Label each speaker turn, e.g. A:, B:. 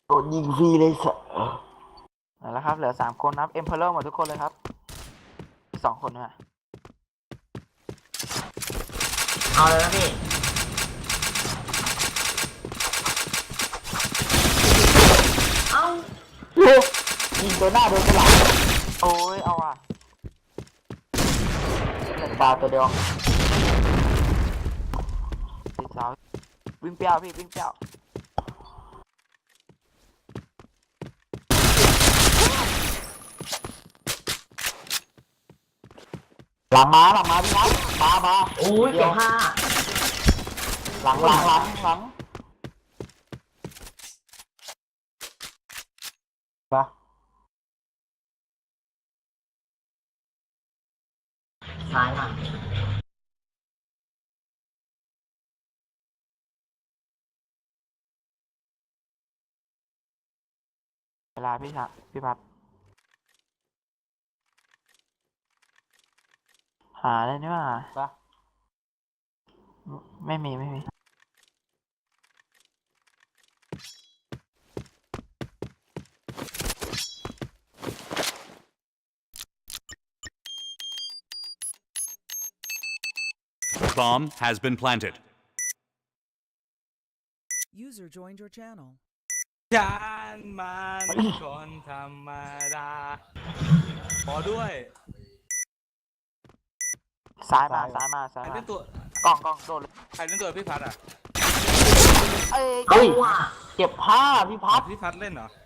A: โดนยิงฟรีเลยสัส
B: แล้วครับเหลือ3คนครับเอ็มเพลเลอร์หมดทุกคนเลยครับ2คนนะ
C: เอาเลยนะพี่เอา
A: ยิงตัวหน้าโดนกระหลัง
B: โอ้ยเอาอ่ะ
A: ตาตัวเดียว
B: ติดเสาวิ่งเปรี้ยวพี่วิ่งเปรี้ยว
A: หลังมาพี่นัทมา
C: โอ้ยเก็บผ้า
A: หลังมา
C: ซ้ายมา
B: เวลาพี่พัดหาเลยนี่ว่า
A: ปะ
B: ไม่มี
D: Bomb has been planted.
E: User joined your channel.
F: จานมันคนธรรมดาขอด้วย
B: ซ้ายมา
F: ใครเล่นตัว
B: กล้องโดนเลย
F: ใครเล่นตัวพี่พัดอ่ะ
B: เอ้ย
A: เฮ้ยเก็บผ้าพี่พัด
F: พี่พัดเล่นเหรอ